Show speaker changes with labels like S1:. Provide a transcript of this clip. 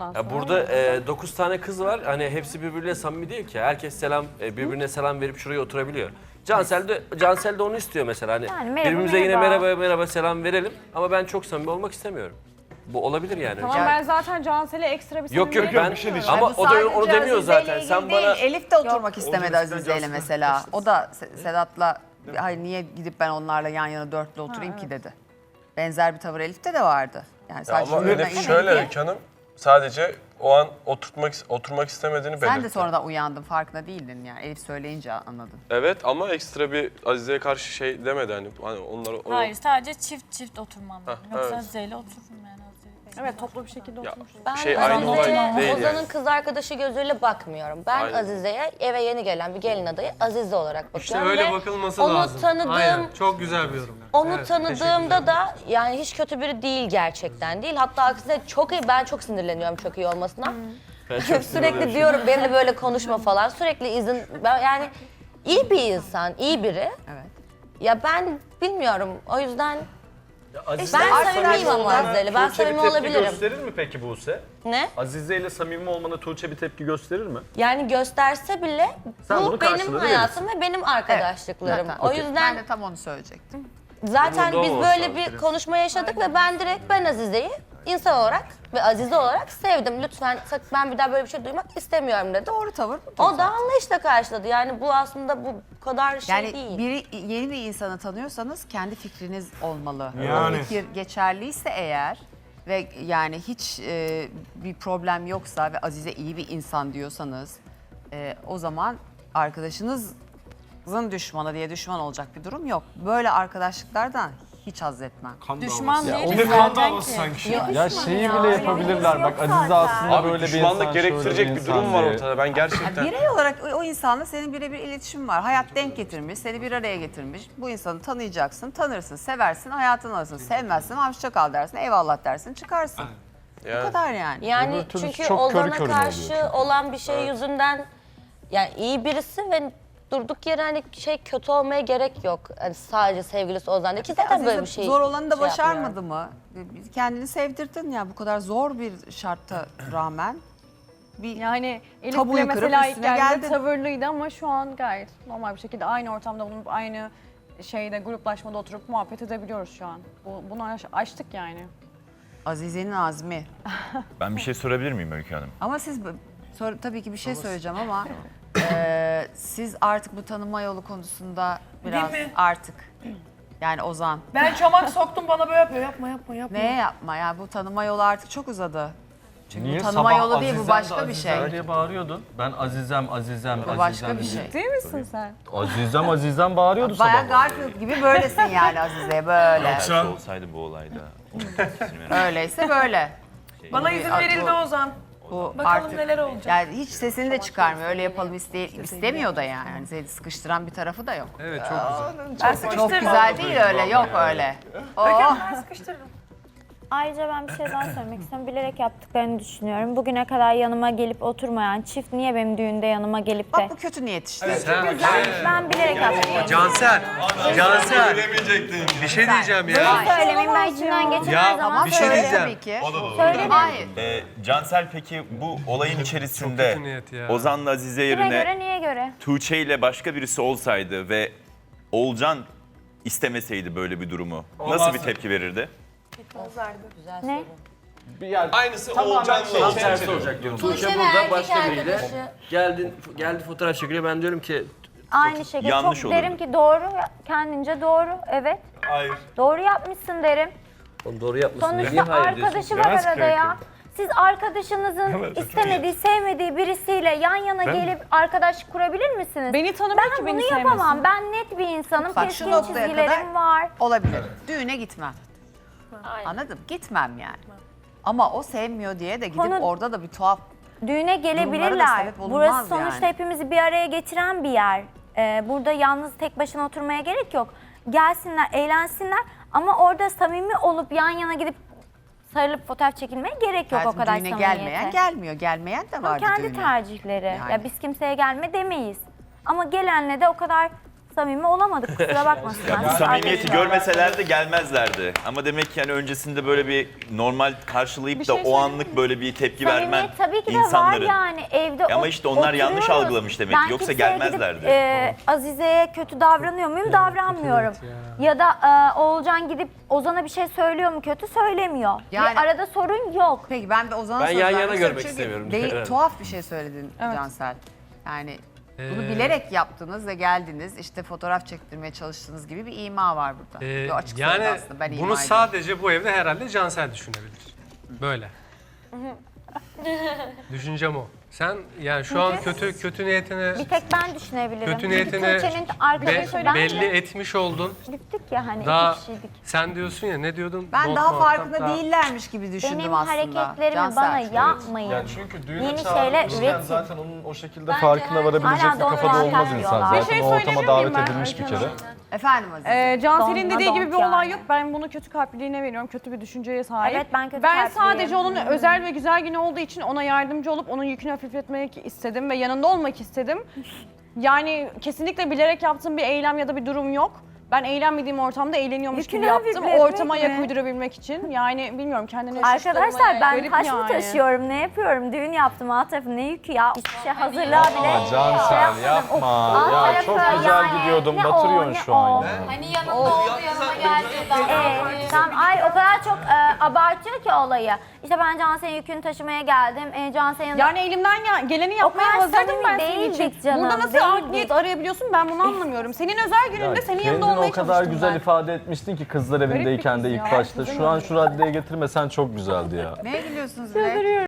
S1: ondan sonra.
S2: Ya burada 9 tane kız var. Hani hepsi birbirine samimi değil ki. Herkes birbirine selam verip şuraya oturabiliyor. Cansel de onu istiyor mesela. Hani
S3: Yani merhaba,
S2: birbirimize yine
S3: merhaba.
S2: merhaba selam verelim. Ama ben çok samimi olmak istemiyorum. Bu olabilir yani.
S1: Tamam ben zaten Cansel'e ekstra bir
S2: Yok
S1: samimiyet
S2: ben
S1: yapıyorum.
S2: ama
S4: Bu
S2: o da
S4: sadece
S2: onu demiyor
S4: Azize'yle
S2: zaten.
S4: ilgili
S2: Sen
S4: değil,
S2: bana
S4: Elif de oturmak istemedi
S5: Olacak,
S4: Azize'yle
S5: sizden
S4: mesela.
S5: Cansel'den
S4: O da Sedat'la hayır niye gidip ben onlarla yan yana dörtlü oturayım ki dedi. Benzer bir tavır Elif'te de vardı. Yani sadece
S6: Ama
S4: şunlardan
S6: Elif
S4: iyi
S6: şöyle
S4: değil.
S6: Öykü Hanım, sadece o an oturmak istemediğini belirtti.
S4: Sen de sonradan uyandın, farkında değildin yani. Elif söyleyince anladın.
S6: Evet ama ekstra bir Azize'ye karşı şey demedi hani onları o...
S7: Hayır sadece çift oturmam lazım.
S6: Ha,
S7: Yoksa
S6: evet.
S7: Azize'yle otururum yani Azize'yle.
S1: Evet toplu bir şekilde
S6: Ya,
S1: oturmuşuz.
S8: Ben
S6: şey aynı olay değil
S8: Ozan'ın
S6: yani.
S8: kız arkadaşı gözüyle bakmıyorum. Ben
S6: Aynen.
S8: Azize'ye eve yeni gelen bir gelin adayı Azize olarak bakıyorum.
S5: İşte öyle
S8: ve
S5: bakılması
S8: onu
S5: lazım.
S8: Tanıdığım,
S5: Aynen, çok güzel bir yorum.
S8: Onu
S5: Evet,
S8: tanıdığımda da yani hiç kötü biri değil gerçekten değil. Hatta aksine çok iyi, ben çok sinirleniyorum çok iyi olmasına. Sürekli diyorum benimle böyle konuşma falan. Sürekli yani iyi bir insan, iyi biri.
S4: Evet.
S8: Ya ben bilmiyorum o yüzden ben
S4: arkadaşlar
S8: samimiyim ama Azize'yle. Ben
S9: Tuğçe bir
S8: samimi
S9: tepki
S8: olabilirim.
S9: gösterir mi peki Buse?
S8: Ne?
S9: Azize ile samimi olmana Tuğçe bir tepki gösterir mi?
S8: Yani gösterse bile
S9: Sen
S8: bu
S9: bunu
S8: benim
S9: karşılığını
S8: hayatım ve benim arkadaşlıklarım.
S4: Zaten.
S8: O
S4: Ben
S8: yüzden
S4: de tam onu söyleyecektim.
S8: zaten
S2: Umurda
S8: biz
S2: olmasa
S8: böyle bir konuşma yaşadık ve ben Azize'yi insan olarak ve Azize olarak sevdim. Lütfen ben bir daha böyle bir şey duymak istemiyorum dedi.
S4: Doğru tavır bu.
S8: O da anlayışla karşıladı. Yani bu aslında bu kadar şey
S4: Yani
S8: değil.
S4: yeni bir insanı tanıyorsanız kendi fikriniz olmalı.
S5: Yani.
S4: O fikir geçerliyse eğer ve yani hiç bir problem yoksa ve Azize iyi bir insan diyorsanız o zaman arkadaşınızın düşmanı diye düşman olacak bir durum yok. Böyle arkadaşlıklardan hiç haz etmem.
S7: Düşman
S5: O
S7: değiliz
S5: bir kan
S7: zaten
S5: davası
S7: ki.
S5: sanki.
S10: Ya şeyi bile yapabilirler. Bak Azize aslında
S6: Abi
S10: böyle bir insan,
S6: düşmanlık
S10: şöyle
S6: gerektirecek bir
S10: insan
S6: durum var
S10: diye.
S6: ortada. Ben gerçekten...
S4: Birey olarak o insanla senin birebir iletişim var. Hayat denk getirmiş, seni bir araya getirmiş. Bu insanı tanıyacaksın, tanırsın, seversin, hayatını alırsın. Sevmezsin, hoşça kal dersin, eyvallah dersin, çıkarsın. Bu
S6: Yani,
S4: kadar yani.
S8: Yani
S10: Öbür türlü
S8: çünkü
S10: çok
S8: Ozan'a
S10: körü körüne
S8: karşı
S10: oluyor.
S8: olan bir şey yüzünden yani iyi birisi ve durduk yere hani kötü olmaya gerek yok. Hani sadece sevgilisi Ozan değil ki zaten
S4: Azize
S8: böyle bir şey.
S4: zor olanı da
S8: şey
S4: başarmadı
S8: yapmıyorum.
S4: mı? Kendini sevdirdin ya bu kadar zor bir şarta rağmen. Bir
S1: Yani Elif
S4: Tabuyu
S1: bile
S4: kırıp
S1: mesela ilk
S4: üstüne
S1: geldiğinde
S4: geldin.
S1: tavırlıydı ama şu an gayet normal bir şekilde aynı ortamda bulunup aynı gruplaşmada oturup muhabbet edebiliyoruz şu an. Bunu açtık yani.
S4: Azize'nin azmi.
S11: Ben bir şey sorabilir miyim Öykü Hanım?
S4: Ama siz tabii ki bir şey söyleyeceğim ama siz artık bu tanıma yolu konusunda biraz artık yani Ozan.
S12: Ben çomak soktum bana böyle yapıyor. Yapma.
S4: Neye yapma ya bu tanıma yolu artık çok uzadı. Çünkü
S5: Niye?
S4: bu tanıma
S5: Sabah
S4: yolu değil bu
S5: Azizem de
S4: başka bir şey.
S5: Azizem diye bağırıyordun. Ben Azizem.
S4: Bu başka bir şey.
S1: Değil misin sen?
S5: Azizem bağırıyordu sabah.
S4: Bayağı Garfield gibi böylesin yani Azize'ye böyle.
S11: Belki olsaydı bu olayda.
S4: Öyleyse böyle.
S12: Bana izin verildi Ozan.
S4: Bu
S12: Bakalım
S4: artık
S12: neler olacak.
S4: yani hiç sesini de çıkarmıyor. Öyle yapalım istemiyor da yani. Yani seni sıkıştıran bir tarafı da yok.
S5: Evet çok güzel.
S12: Ben
S4: Çok
S12: sıkıştırmam.
S4: güzel değil öyle. Yok öyle.
S12: Ben sıkıştırırım.
S3: Ayrıca ben bir şey daha söylemek istiyorum. Bilerek yaptıklarını düşünüyorum. Bugüne kadar yanıma gelip oturmayan çift niye benim düğünde yanıma gelip de...
S4: Bak bu kötü niyet işte.
S3: Ben bilerek yaptım.
S5: Cansel. Bir şey diyeceğim ya.
S3: Söylemeyeyim ben içimden geçen her zaman
S5: bir şey
S3: söylerim.
S5: diyeceğim.
S4: Tabii ki.
S3: Söylerim.
S4: Hayır.
S11: Cansel peki bu olayın içerisinde
S5: kötü niyet ya.
S11: Ozan'la Azize
S3: Kime
S11: yerine
S3: göre niye göre?
S11: Tuğçe ile başka birisi olsaydı ve Olcan istemeseydi böyle bir durumu nasıl bir tepki verirdi?
S3: Ne?
S6: Aynısı Oğulcan
S2: tam tersi olacak diyorum. Tuğçe burada başka biriyle geldi fotoğraf çekiliyor. Ben diyorum ki
S3: Aynı şekilde
S11: yanlış
S3: çok
S11: olurdu.
S3: derim ki doğru, kendince doğru, evet.
S6: Hayır.
S3: Doğru yapmışsın derim.
S2: onu doğru yapmasın diye niye
S3: Sonuçta
S2: hayır diyorsun?
S3: arkadaşı var arada ya. Siz arkadaşınızın istemediği, sevmediği birisiyle yan yana gelip arkadaşlık kurabilir misiniz?
S1: Beni tanımıyor
S3: Ben
S1: ki
S3: bunu
S1: beni
S3: yapamam.
S1: sevmesin.
S3: Ben net bir insanım.
S4: Bak, şu
S3: Keskin
S4: noktaya
S3: çizgilerim
S4: kadar-
S3: var.
S4: Olabilir. Düğüne gitmem. Anladım. Gitmem yani. Ama o sevmiyor diye de gidip
S3: Konu-
S4: orada da bir tuhaf.
S3: Düğüne
S4: Durumlara da
S3: gelebilirler.
S4: sebep olunmaz
S3: Burası sonuçta
S4: yani.
S3: hepimizi bir araya getiren bir yer. Burada yalnız tek başına oturmaya gerek yok. Gelsinler, eğlensinler ama orada samimi olup yan yana gidip sarılıp fotoğraf çekilmeye gerek yok o
S4: Hayatım,
S3: kadar
S4: düğüne
S3: samimiyete.
S4: gelmeyen gelmiyor. Gelmeyen de
S3: Ama
S4: vardı
S3: kendi
S4: düğüne.
S3: tercihleri.
S4: Yani.
S3: Ya biz kimseye gelme demeyiz. Ama gelenle de o kadar samimi olamadık. Kusura bakmasınlar.
S11: Bu samimiyeti görmeselerdi gelmezlerdi. Ama demek ki yani öncesinde böyle bir normal karşılayıp
S1: Bir
S11: da
S1: şey
S11: o
S1: söyleyeyim
S11: anlık böyle bir tepki vermen
S3: Samimiyet tabii ki de
S11: insanların.
S3: var yani evde
S11: Ama işte onlar yanlış
S3: oturuyoruz.
S11: algılamış demek ki.
S3: Ben
S11: Yoksa
S3: kimseye
S11: gelmezlerdi.
S3: Gidip, Azize'ye kötü davranıyor muyum? Davranmıyorum. Ya da Oğulcan gidip Ozan'a bir şey söylüyor mu? Kötü söylemiyor.
S4: Yani-
S3: Bir arada sorun yok.
S4: Peki ben bir Ozan'a
S2: Ben
S4: söz
S2: yan
S4: vermek
S2: yana
S4: istiyorum
S2: görmek
S4: çünkü
S2: istemiyorum.
S4: Değil,
S2: Evet.
S4: tuhaf bir şey söyledin Cansel. Yani bunu bilerek yaptınız ve geldiniz işte fotoğraf çektirmeye çalıştığınız gibi bir ima var burada. Yo, açık söyledi aslında, ben ima
S13: bunu
S4: ediyorum.
S13: sadece bu evde herhalde Cansel düşünebilir. Böyle. Düşüncem o. Sen yani şu an kötü niyetini
S3: Bir tek ben düşünebilirim.
S13: kötü niyetini
S3: Tuğçe'nin arkadaşı ben
S13: belli
S3: de
S13: etmiş oldun.
S3: gittik ya hani
S13: Daha
S3: iki kişiydik.
S13: sen diyorsun ya ne diyordun?
S4: Ben
S13: Bol
S4: daha
S13: muhatap,
S4: farkında
S13: daha-
S4: değillermiş gibi düşündüm
S3: Benim
S4: aslında.
S3: hareketlerimi
S4: Cansel.
S3: bana yapmayın.
S10: Yani çünkü düğüne
S3: Yeni
S10: çağırmışken
S3: şeyler üretin.
S10: zaten onun o şekilde farkına varabilecek
S3: Hala
S10: bir
S3: da
S10: kafada
S3: onu
S10: olmaz
S3: muhatap
S10: insan.
S3: diyorlar.
S1: Bir
S10: Zaten
S1: şey
S10: o ortama
S1: söyleyebilir
S10: davet
S1: miyim ben
S10: edilmiş bir
S1: Ayten
S10: kere.
S4: Efendim Aziz.
S1: Cansel'in
S3: Donla
S1: dediği gibi bir
S3: donk
S1: olay
S3: yani.
S1: yok. Ben bunu kötü kalpliliğine veriyorum. Kötü bir düşünceye sahip.
S3: Evet, ben kötü
S1: Ben
S3: kalpliyim.
S1: sadece onun özel ve güzel günü olduğu için ona yardımcı olup onun yükünü hafifletmek istedim ve yanında olmak istedim. Yani kesinlikle bilerek yaptığım bir eylem ya da bir durum yok. Ben eğlenmediğim ortamda eğleniyormuş
S3: Yükünü
S1: gibi yaptım.
S3: hafifletmek
S1: Ortama
S3: mi?
S1: ayak uydurabilmek için. Yani bilmiyorum kendine
S3: Arkadaşlar ben
S1: Garip
S3: taş mı
S1: yani.
S3: taşıyorum, ne yapıyorum? Düğün yaptım, alt tarafı ne yükü ya? Hiçbir şey hazırlığa bile
S10: Ama Cansel yapma.
S3: Alt
S10: Ya
S3: tarafı
S10: çok güzel
S3: yani,
S10: gidiyordum.
S3: ne
S10: Batırıyorsun
S3: o,
S10: şu
S3: ne
S10: an
S3: o.
S10: ya.
S7: Hani yanında oldu yanıma geldi.
S3: Tamam, ay o kadar çok abartıyor ki olayı. İşte ben Cansel'in yükünü taşımaya geldim. Cansel'in yanında...
S1: Yani elimden geleni yapmaya
S3: kadar
S1: hazırdım
S3: samimi
S1: ben senin için.
S3: değildik canım,
S1: Burada nasıl
S3: değildik.
S1: art niyet arayabiliyorsun ben bunu anlamıyorum. Senin özel gününde senin yanında
S10: Kendini
S1: olmaya
S10: o kadar
S1: çalıştım
S10: güzel
S1: ben.
S10: ifade etmiştin ki kızlar evindeyken de
S1: kız
S10: ilk
S1: ya.
S10: başta. Şu an şu raddeye getirmesen çok güzeldi ya.
S4: Neye gülüyorsunuz bile?